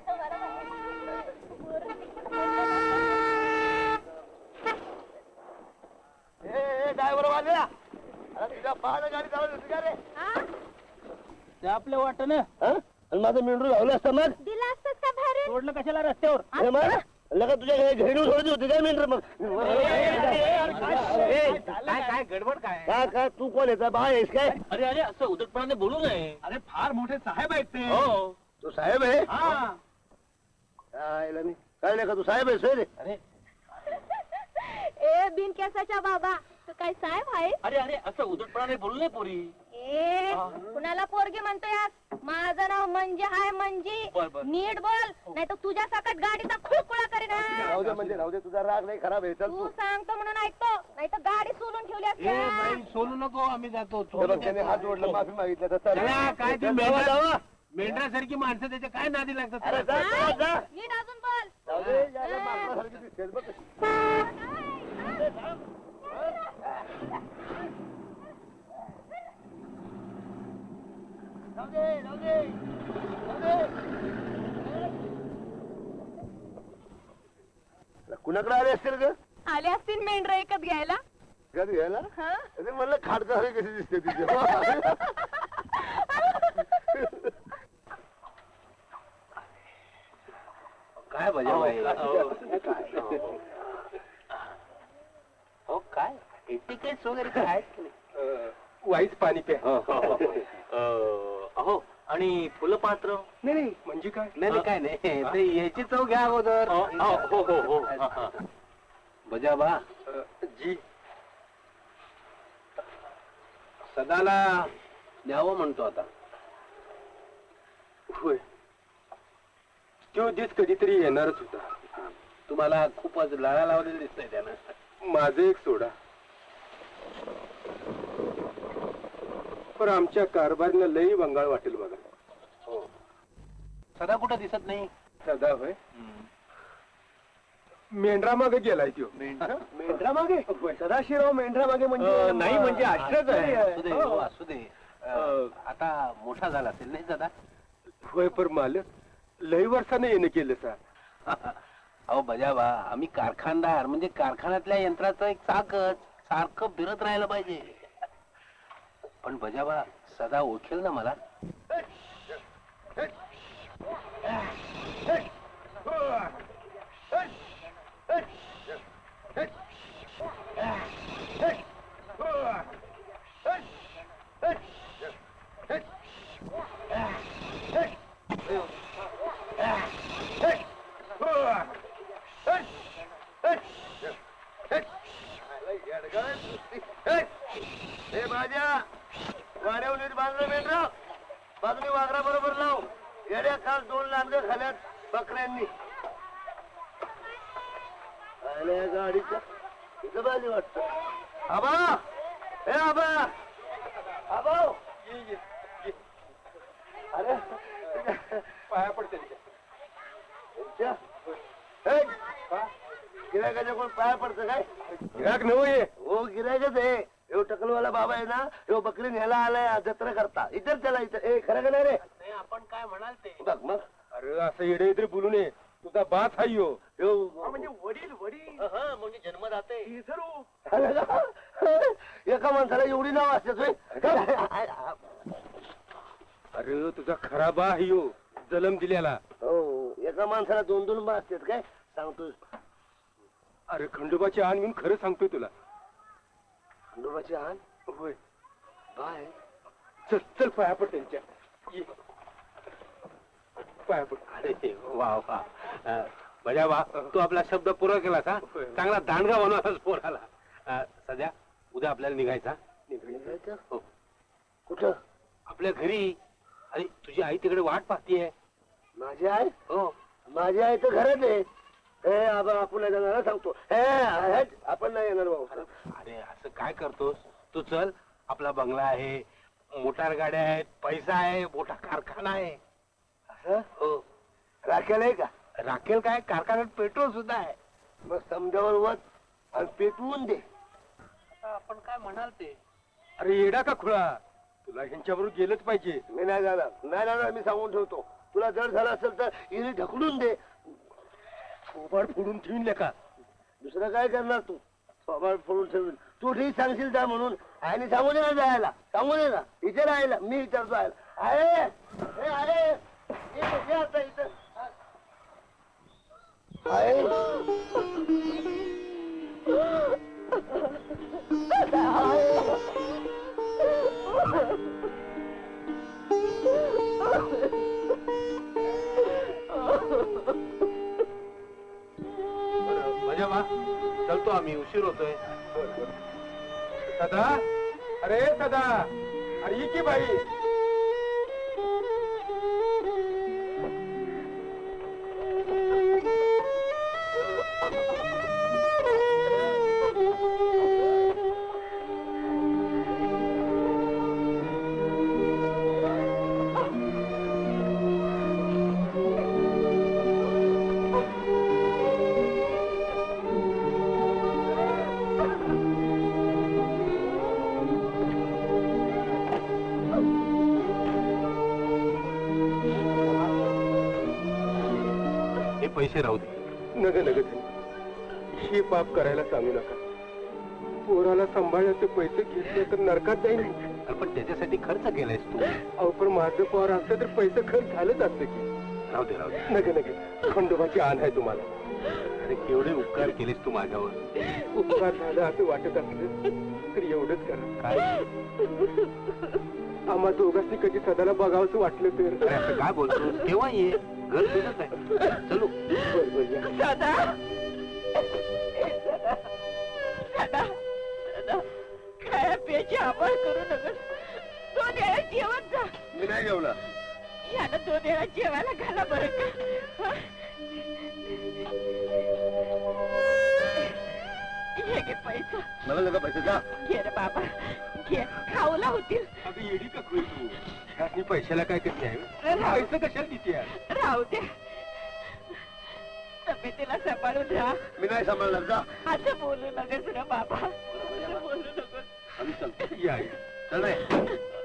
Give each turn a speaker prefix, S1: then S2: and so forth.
S1: Driver वाजला तुझ्या पाहणं गाडी चालवली होती का रे?
S2: ते आपल्या वाटणं
S1: आणि माझं मेंढरू लावलं असतं मग
S3: दिला असतात का बाहेर?
S2: सोडलं कशाला रस्त्यावर?
S1: हे मग लगा तुझ्या घरी सोडली होती काय मेंढर मग
S2: काय गडबड काय?
S1: काय तू कोण याचा बा आहेस काय?
S2: अरे अरे असं उदटपणाने बोलू नये. अरे फार मोठे साहेब आहेत ते. हो
S1: तू साहेब आहे
S2: हा.
S1: काय नाही का तू साहेब आहेस रे?
S2: अरे
S3: ए बिनकेसाच्या बाबा, तू काय साहेब आहे?
S2: अरे अरे असं उदटपणाने बोलू नये पोरी.
S3: ए कुणाला पोरगी म्हणतोय आज? माझं नाव म्हणजे हाय म्हणजे.
S2: बर, बर.
S3: नीट बोल, नाही तर तुझ्या सकट गाडीचा खुळकुळा करेन.
S1: राहू दे म्हणजे राहू दे, तुझा राग नाही खराब आहे. चल
S3: तू
S1: तू
S3: सांगतो म्हणून ऐकतो, नाही तर गाडी सोलून ठेवली असते.
S2: सोलू नको, आम्ही जातो.
S1: त्याने हात जोडला, माफी मागितलं तर चल.
S2: चला, काय ते
S1: चल,
S2: मेंढरा-
S1: जावा.
S2: मेंढरासारखी माणसं त्याच्या काय नादी लागतात?
S1: अरे जा, जा, जा.
S3: नीट अजून बोल.
S1: जाऊ दे, याला माकडासारखी दिसतेस बघ कशी. जाऊ दे, जाऊ दे, जाऊ दे. कुणाकडे आले असतील ग?
S3: आले असतील मेंढर एकच घ्यायला.
S1: कधी घ्यायला?
S3: हा?
S1: अरे म्हणलं खाडकासारखी कशी दिसते तिथे.
S2: काय बजा हो काय एटिकेट्स वगैरे काय आहेत की नाही?
S4: वाईच पाणी प्या.
S2: अहो आणि फुलं पात्र
S4: नाही नाही म्हणजे काय?
S2: नाही काय नाही ते याची चव घ्या अगोदर. हो हो हो बजाबा
S4: जी
S2: सदाला न्यावं म्हणतो आता.
S4: होय, तो दिस कधीतरी येणारच होता.
S2: तुम्हाला खूपच लळा लावलेली दिसतंय त्यानं.
S4: माझं एक सोडा, पण आमच्या कारभारीनं लई बंगाळ वाटेल बघा.
S2: हो सदा कुठं दिसत नाही.
S4: सदा होय, मेंढरा मागे गेलाय तो.
S1: मेंढरा मागे? सदाशिवराव मेंढरा मागे म्हणजे
S4: नाही म्हणजे आश्चर्यच आहे.
S2: असू दे हो, असू दे. आता मोठा झाला असेल नाही सदा?
S4: होय, पर मालक लई वर्षाने येणं केलं सा.
S2: अहो बजाबा आम्ही कारखानदार म्हणजे कारखान्यातल्या यंत्राचं एक चाकच सारखं फिरत राहायला पाहिजे. पण बजाबा सदा ओळखेल ना मला?
S1: हे माझ्या वाड्यावर नीट बांधलं मेंढरा, बाजूने वाघरा बरोबर लाव. येड्या काल 2 लांडगं खाल्यात बकऱ्यांनी. आल्या गाडीच्या इथं बाली वाटत. आबा, हे आबा, आबा, अरे
S4: पाया पडते
S1: गिरायकाच्या कोण पाया पडतं काय?
S4: गिराक नव्हे.
S1: हो गिरायकच आहे. ह्यो टकलवाला बाबा आहे ना, ह्यो बकरी न्यायला आलाय जत्रा करता. इतर त्याला इथं ए खरं का नाही रे?
S2: आपण काय म्हणाल ते
S1: बघ मग
S4: अरे असं येडे इकडे बोलू नये, तुझा बात हाय ह्यो.
S1: ह्यो
S4: म्हणजे वडील वडील
S2: म्हणजे जन्मदाते.
S1: एका माणसाला एवढी नाव असतात.
S4: अरे तुझा खरा बा ह्यो जलम दिल्याला.
S1: हो एका माणसाला 2-2 बा असतात काय सांगतोस?
S4: अरे खंडोबाची आण म्हणून खरं सांगतोय तुला.
S1: खंडोबाची आण
S4: होय,
S1: बाय.
S4: चल चल पाया पड त्यांच्या. ये. पाया पड.
S2: अरे वा वा बजाबा तू आपला शब्द पुरा केला का? चांगला दांडगा बनवलास पोराला. सध्या उद्या आपल्याला निघायचा.
S1: निघायचं?
S2: हो
S1: कुठं?
S2: आपल्या घरी. अरे तुझी आई तिकडे वाट पाहतीये.
S1: माझी आई?
S2: हो
S1: माझी आई तर घरात आहे. ए आबा आपण नाही जाणार सांगतो. आपण नाही येणार भाऊ.
S2: अरे असं काय करतोस तू? चल, आपला बंगला आहे, मोटार गाड्या आहेत, पैसा आहे, मोठा कारखाना आहे.
S1: असं?
S2: हो
S1: राखेल आहे का?
S2: राखेल काय, कारखान्यात पेट्रोल सुद्धा आहे.
S1: मग समजावर वत आणि पेटवून दे.
S2: आता आपण काय म्हणाल ते.
S4: अरे येडा का खुळा, तुला ह्यांच्याबरोबर गेलंच पाहिजे.
S1: मी नाही जाणार, नाही जाणार. मी सांगून ठेवतो. तुला जड झालं असेल तर हिने ढकलून दे.
S4: थोबाड फोडून ठेवीन का?
S1: दुसरं काय करणार तू? थोबाड फोडून ठेवून तू ठीक सांगशील जा म्हणून आईने सांगू दे ना जायला, सांगू दे ना. इथे राहायला मी विचारतो आहे आता इथं आहे.
S2: बजा बा चलतो आम्ही, उशीर होतोय.
S4: सदा, अरे सदा, अरे ये की बाई.
S2: हे पैसे राहू दे.
S4: नग नग हे पाप करायला सांगू नका. पोराला सांभाळण्याचे पैसे घेतले तर नरकात जाईल.
S2: अरे पण त्याच्यासाठी खर्च केलायस तू.
S4: अहो पण माझं पोर असतं तर पैसे खर्च झालंच असतं की.
S2: राहू दे राहू दे.
S4: नग नग खंडोबाची आण आहे तुम्हाला.
S2: अरे केवढे उपकार केलेस तू माझ्यावर.
S4: उपकार झालं असं वाटत असलं तर एवढंच करा.
S2: काय
S4: आम्हा दोघांनी कधी सदाला बघावंसं वाटलं तर.
S2: अरे असं काय बोलतोस? केव्हा ये, घर तुझंच आहे. चलो.
S4: बरं बरं या.
S5: दादा दादा दादा खाया प्यायची आभार करू नका. 2 वेळा जेवण जा.
S1: मी नाही जेवला.
S5: याला 2 वेळा जेवायला घाला बरं का. हं? हे घे पैसा.
S1: मला नका पैसे जा.
S5: घे रे बाबा घे. खाऊला होतील.
S4: अगं येडी का खुई तू? ह्यासनी पैशाला काय करते आहे? पैसे कशाला देते आहे?
S5: राहू दे. तब्येतीला सांभाळून राहा.
S1: मी नाही सांभाळणार जा.
S5: असं बोलू नकोस रे बाबा. असं बोलू नकोस.
S1: आम्ही चलतो.
S4: या या.
S1: चल रे.